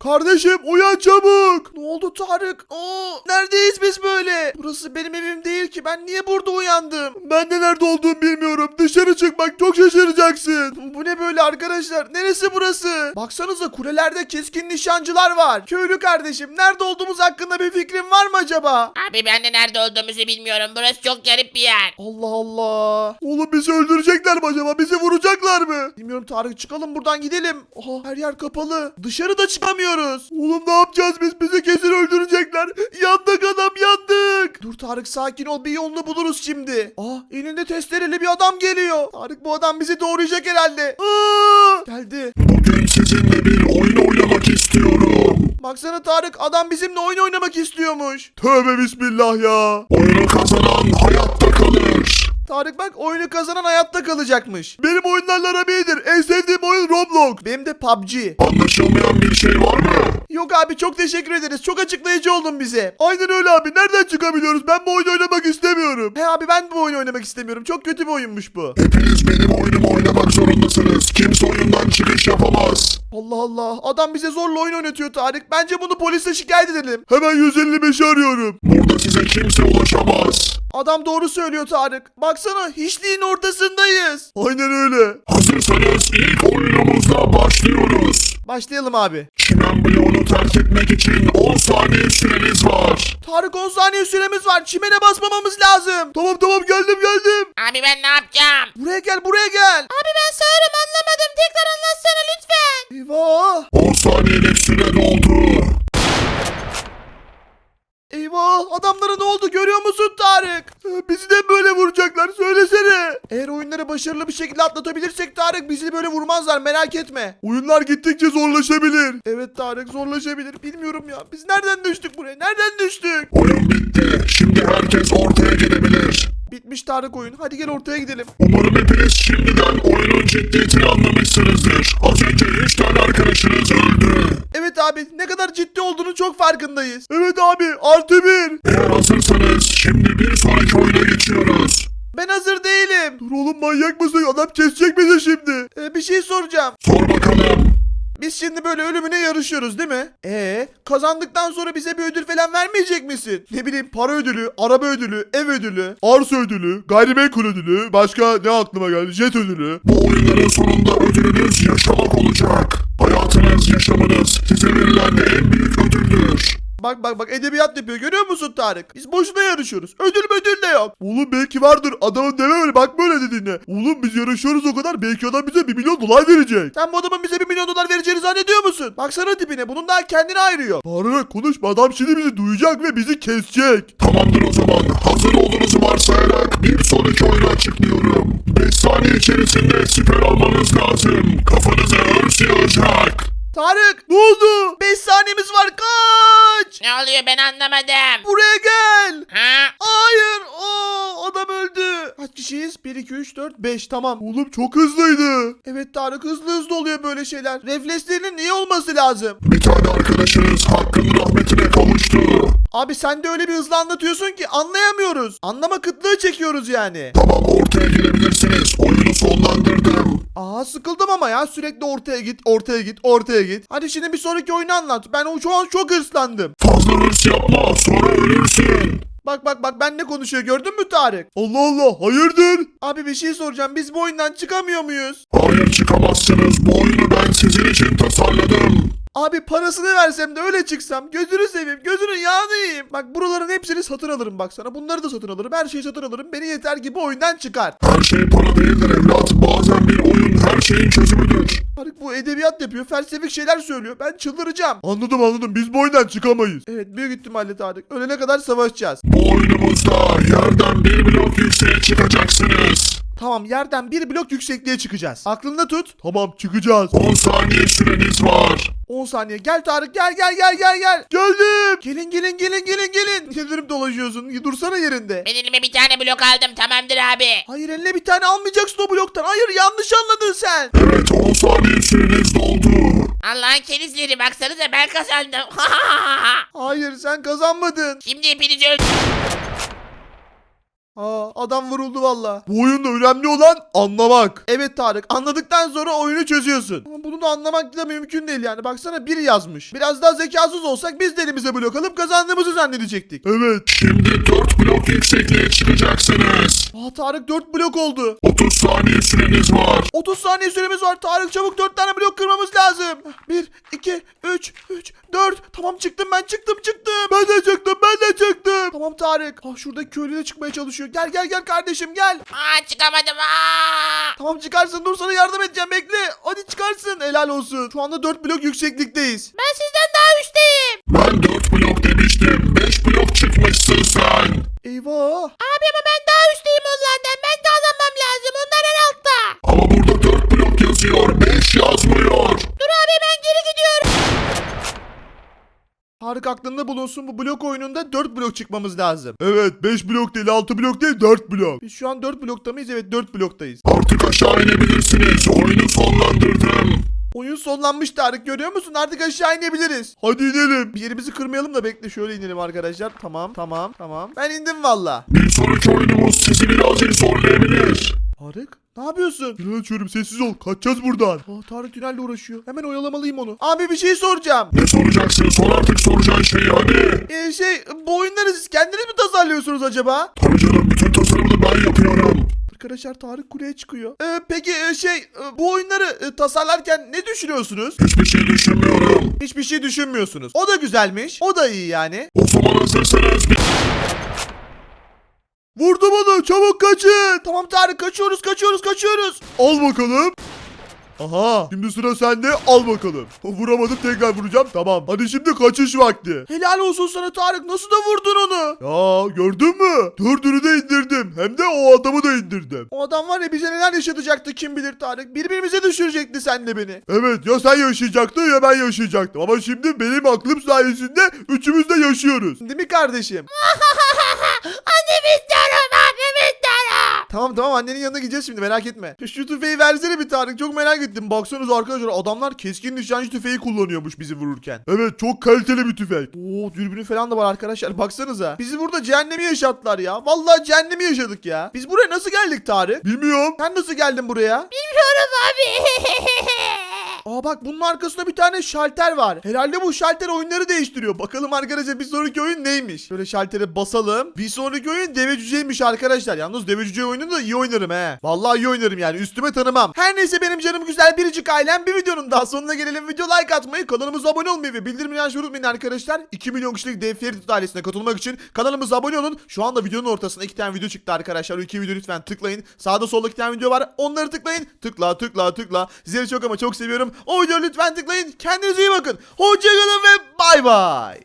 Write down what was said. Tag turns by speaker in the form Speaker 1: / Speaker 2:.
Speaker 1: Kardeşim uyan çabuk. Ne oldu Tarık? Neredeyiz biz böyle? Burası benim evim değil ki. Ben niye burada uyandım? Ben de nerede olduğumu bilmiyorum. Dışarı çıkmak çok şaşıracaksın. Bu ne böyle arkadaşlar? Neresi burası? Baksanıza kulelerde keskin nişancılar var. Köylü kardeşim nerede olduğumuz hakkında bir fikrin var mı acaba?
Speaker 2: Abi ben de nerede olduğumuzu bilmiyorum. Burası çok garip bir yer.
Speaker 1: Allah Allah. Oğlum bizi öldürecekler mi acaba? Bizi vuracaklar mı? Bilmiyorum Tarık, çıkalım buradan gidelim. Aha, her yer kapalı. Dışarıda çıkamıyoruz. Oğlum ne yapacağız biz? Bizi kesin öldürecekler. Yandık adam, yandık. Dur Tarık, sakin ol, bir yolunu buluruz şimdi. Elinde testereli bir adam geliyor. Tarık, bu adam bizi doğrayacak herhalde. Geldi.
Speaker 3: Bugün sizinle bir oyun oynamak istiyorum.
Speaker 1: Baksana Tarık, adam bizimle oyun oynamak istiyormuş. Tövbe bismillah ya.
Speaker 3: Oyunu kazanan hayatta kalır.
Speaker 1: Tarık bak, oyunu kazanan hayatta kalacakmış. Benim oyunlarla aram iyidir. En sevdiğim oyun Roblox. Benim de PUBG.
Speaker 3: Anlaşılmayan bir şey var mı?
Speaker 1: Yok abi, çok teşekkür ederiz. Çok açıklayıcı oldun bize. Aynen öyle abi. Nereden çıkabiliyoruz? Ben bu oyunu oynamak istemiyorum. He abi, ben bu oyunu oynamak istemiyorum. Çok kötü bir oyunmuş bu.
Speaker 3: Hepiniz benim oyunumu oynamak zorundasınız. Kimse oyundan çıkış yapamaz.
Speaker 1: Allah Allah. Adam bize zorla oyun oynatıyor Tarık. Bence bunu polise şikayet edelim. Hemen 155'i arıyorum.
Speaker 3: Burada size kimse ulaşamaz.
Speaker 1: Adam doğru söylüyor Tarık. Baksana, hiçliğin ortasındayız. Aynen öyle.
Speaker 3: Hazırsanız ilk oyunumuzla başlıyoruz.
Speaker 1: Başlayalım abi.
Speaker 3: Çimen bloğunu terk etmek için 10 saniye süreniz var.
Speaker 1: Tarık, 10 saniye süremiz var. Çimene basmamamız lazım. Tamam geldim.
Speaker 2: Abi ben ne yapacağım?
Speaker 1: Buraya gel.
Speaker 2: Abi ben sağırım, anlamadım. Tekrar anlatsana lütfen.
Speaker 1: Eyvah.
Speaker 3: 10 saniyelik süre doldu.
Speaker 1: Eyvah, adamlara ne oldu görüyor musun Tarık? Bizi de böyle vuracaklar, söylesene. Eğer oyunları başarılı bir şekilde atlatabilirsek Tarık, bizi böyle vurmazlar, merak etme. Oyunlar gittikçe zorlaşabilir. Evet Tarık, zorlaşabilir. Bilmiyorum ya, biz nereden düştük buraya, nereden düştük?
Speaker 3: Oyun bitti. Şimdi herkes ortaya gelebilir.
Speaker 1: Bitmiş Tarık oyun, hadi gel ortaya gidelim.
Speaker 3: Umarım hepiniz şimdiden oyunun ciddiyetini anlamışsınızdır. Az önce 3 tane arkadaşınız öldü.
Speaker 1: Evet abi, ne kadar ciddi olduğunu çok farkındayız. Evet abi, +1.
Speaker 3: Eğer hazırsanız şimdi bir sonraki oyuna geçiyoruz.
Speaker 1: Ben hazır değilim. Dur oğlum, manyak mısın? Adam kesecek bizi şimdi. Bir şey soracağım.
Speaker 3: Sor bakalım.
Speaker 1: Biz şimdi böyle ölümüne yarışıyoruz değil mi? Kazandıktan sonra bize bir ödül falan vermeyecek misin? Ne bileyim, para ödülü, araba ödülü, ev ödülü, arsa ödülü, gayrimenkul ödülü, başka ne aklıma geldi? Jet ödülü.
Speaker 3: Bu oyunların sonunda ödülünüz yaşamak olacak. Hayatınız, yaşamınız size verilen en büyük ödüldür.
Speaker 1: Bak edebiyat yapıyor, görüyor musun Tarık? Biz boşuna yarışıyoruz. Ödül de yok. Oğlum belki vardır, adamın deme öyle, bak böyle dediğine. Oğlum biz yarışıyoruz o kadar, belki adam bize 1 milyon dolar verecek. Sen bu adamın bize 1 milyon dolar vereceğini zannediyor musun? Baksana tipine, bunun daha kendini ayırıyor. Tarık konuşma, adam şimdi bizi duyacak ve bizi kesecek.
Speaker 3: Tamamdır o zaman. Hazır olduğunuzu varsayarak bir sonraki oyunu açıklıyorum. 5 saniye içerisinde siper almanız lazım. Kafanıza örs yağacak.
Speaker 1: Tarık ne oldu? 5 saniyemiz var, kaç.
Speaker 2: Ne oluyor, ben anlamadım.
Speaker 1: Buraya gel.
Speaker 2: Ha?
Speaker 1: Hayır. Adam öldü. Kaç kişiyiz? 1, 2, 3, 4, 5. Tamam. Oğlum çok hızlıydı. Evet Tarık, hızlı oluyor böyle şeyler. Reflekslerinin iyi olması lazım.
Speaker 3: Bir tane arkadaşınız hakkın rahmetine kavuştu.
Speaker 1: Abi sen de öyle bir hızlı anlatıyorsun ki anlayamıyoruz. Anlama kıtlığı çekiyoruz yani.
Speaker 3: Tamam, ortaya gelebilirsiniz. Oyunu sonlandırdım.
Speaker 1: Sıkıldım ama ya, sürekli ortaya git. Hadi şimdi bir sonraki oyunu anlat. Ben şu an çok hırslandım.
Speaker 3: Fazla hırs yapma, sonra ölürsün.
Speaker 1: Bak ben ne konuşuyor, gördün mü Tarık? Allah Allah, hayırdır? Abi bir şey soracağım, biz bu oyundan çıkamıyor muyuz?
Speaker 3: Hayır, çıkamazsınız. Bu oyunu ben sizin için tasarladım.
Speaker 1: Abi parasını versem de öyle çıksam, gözünü seveyim, gözünün yağını yiyeyim. Bak buraların hepsini satın alırım baksana. Bunları da satın alırım, her şeyi satın alırım. Beni yeter ki bu oyundan çıkar.
Speaker 3: Her şey para değildir evlat. Bazen bir oyun her şeyin çözümüdür.
Speaker 1: Tarık bu edebiyat yapıyor, felsefik şeyler söylüyor. Ben çıldıracağım. Anladım, biz bu oyundan çıkamayız. Evet, büyük ihtimalle Tarık. Ölene kadar savaşacağız.
Speaker 3: Bu oyunumuzda yerden bir blok yükseğe çıkacaksınız.
Speaker 1: Tamam, yerden 1 blok yüksekliğe çıkacağız. Aklında tut. Tamam, çıkacağız.
Speaker 3: 10 saniye süreniz var.
Speaker 1: 10 saniye. Gel Tarık, gel. Geldim. Gelin. Ne dönüp dolaşıyorsun? Dursana yerinde.
Speaker 2: Ben elime bir tane blok aldım, tamamdır abi.
Speaker 1: Hayır, eline bir tane almayacaksın o bloktan. Hayır, yanlış anladın sen.
Speaker 3: Evet, 10 saniye süreniz doldu.
Speaker 2: Allah'ın kerizleri, baksanıza ben kazandım.
Speaker 1: Hayır, sen kazanmadın.
Speaker 2: Şimdi hepinizi öldürürüm.
Speaker 1: Adam vuruldu valla. Bu oyunda önemli olan anlamak. Evet Tarık, anladıktan sonra oyunu çözüyorsun. Ama bunu da anlamak da mümkün değil yani. Baksana biri yazmış. Biraz daha zekasız olsak biz de elimize blok alıp kazandığımızı zannedecektik. Evet.
Speaker 3: Şimdi 4 blok yüksekliğe çıkacaksınız.
Speaker 1: Tarık 4 blok oldu.
Speaker 3: 30 saniye süreniz var.
Speaker 1: 30 saniye süremiz var. Tarık çabuk 4 tane blok kırmamız lazım. 1, 2, 3, 4. Tamam çıktım ben çıktım. Ben de çıktım. Tamam Tarık. Şuradaki köylü de çıkmaya çalışıyor. Gel kardeşim gel.
Speaker 2: Çıkamadım.
Speaker 1: Tamam çıkarsın, dur sana yardım edeceğim, bekle. Hadi çıkarsın, helal olsun. Şu anda 4 blok yükseklikteyiz.
Speaker 2: Ben sizden daha üstteyim.
Speaker 3: Ben 4 blok demiştim. 5 blok çıkmışsın sen.
Speaker 1: Eyvah.
Speaker 2: Abi ama ben daha üstteyim onlardan. Ben de alamam lazım. Onlar en altta.
Speaker 3: Ama burada 4 blok yazıyor. 5 yazmıyor.
Speaker 2: Dur abi ben geri gidiyorum.
Speaker 1: Tarık aklında bulunsun, bu blok oyununda 4 blok çıkmamız lazım. Evet, 5 blok değil, 6 blok değil, 4 blok. Biz şu an 4 blokta mıyız? Evet, 4 bloktayız.
Speaker 3: Artık aşağı inebilirsiniz. Oyunu sonlandırdım.
Speaker 1: Oyun sonlanmış Tarık, görüyor musun? Artık aşağı inebiliriz. Hadi inelim. Bir yerimizi kırmayalım da bekle, şöyle inelim arkadaşlar. Tamam. Ben indim valla.
Speaker 3: Bir sonraki oyunumuz sizi birazcık zorlayabilir.
Speaker 1: Tarık, ne yapıyorsun? Tünel açıyorum, sessiz ol. Kaçacağız buradan. Tarık tünelle uğraşıyor. Hemen oyalamalıyım onu. Abi bir şey soracağım.
Speaker 3: Ne soracaksın? Sor artık soracağın şeyi hadi.
Speaker 1: Bu oyunları siz kendiniz mi tasarlıyorsunuz acaba?
Speaker 3: Tabii canım, bütün tasarımını ben yapıyorum.
Speaker 1: Arkadaşlar Tarık kuleye çıkıyor. Peki bu oyunları tasarlarken ne düşünüyorsunuz?
Speaker 3: Hiçbir şey düşünmüyorum.
Speaker 1: Hiçbir şey düşünmüyorsunuz. O da güzelmiş. O da iyi yani.
Speaker 3: O zaman hazırsanız bir...
Speaker 1: Vurdum onu, çabuk kaçın. Tamam Tarık, kaçıyoruz. Al bakalım. Aha, şimdi sıra sende, al bakalım. Vuramadım, tekrar vuracağım. Tamam, hadi şimdi kaçış vakti. Helal olsun sana Tarık, nasıl da vurdun onu? Ya gördün mü? 4'ünü de indirdim. Hem de o adamı da indirdim. O adam var ya, bize neler yaşatacaktı kim bilir Tarık. Birbirimize düşürecekti senle beni. Evet, ya sen yaşayacaktın ya ben yaşayacaktım. Ama şimdi benim aklım sayesinde üçümüz de yaşıyoruz. Değil mi kardeşim?
Speaker 2: Annemi istiyorum.
Speaker 1: Tamam annenin yanına gideceğiz şimdi, merak etme. Şu tüfeği versene bir Tarık, çok merak ettim. Baksanıza arkadaşlar, adamlar keskin nişancı tüfeği kullanıyormuş bizi vururken. Evet, çok kaliteli bir tüfek. Dürbünü falan da var arkadaşlar, baksanıza. Bizi burada cehennemi yaşattılar ya. Vallahi cehennemi yaşadık ya. Biz buraya nasıl geldik Tarık? Bilmiyorum. Sen nasıl geldin buraya?
Speaker 2: Bilmiyorum abi.
Speaker 1: Bak, bunun arkasında bir tane şalter var. Herhalde bu şalter oyunları değiştiriyor. Bakalım arkadaşlar, bir sonraki oyun neymiş? Şöyle şaltere basalım. Bir sonraki oyun deve cüceymiş arkadaşlar. Yalnız deve cüce oyununu da iyi oynarım he. Vallahi iyi oynarım yani, üstüme tanımam. Her neyse benim canım güzel biricik ailem, bir videonun daha sonuna gelelim. Video like atmayı, kanalımıza abone olmayı ve bildirimleri açmayı unutmayın arkadaşlar. 2 milyon kişilik Dev Ferit ailesine katılmak için kanalımıza abone olun. Şu anda videonun ortasında 2 tane video çıktı arkadaşlar. O 2 video lütfen tıklayın. Sağda solda 2 tane video var. Onları tıklayın. Tıkla. Sizleri çok ama çok seviyorum. O videoyu lütfen tıklayın. Kendinize iyi bakın. Hoşçakalın ve bay bay.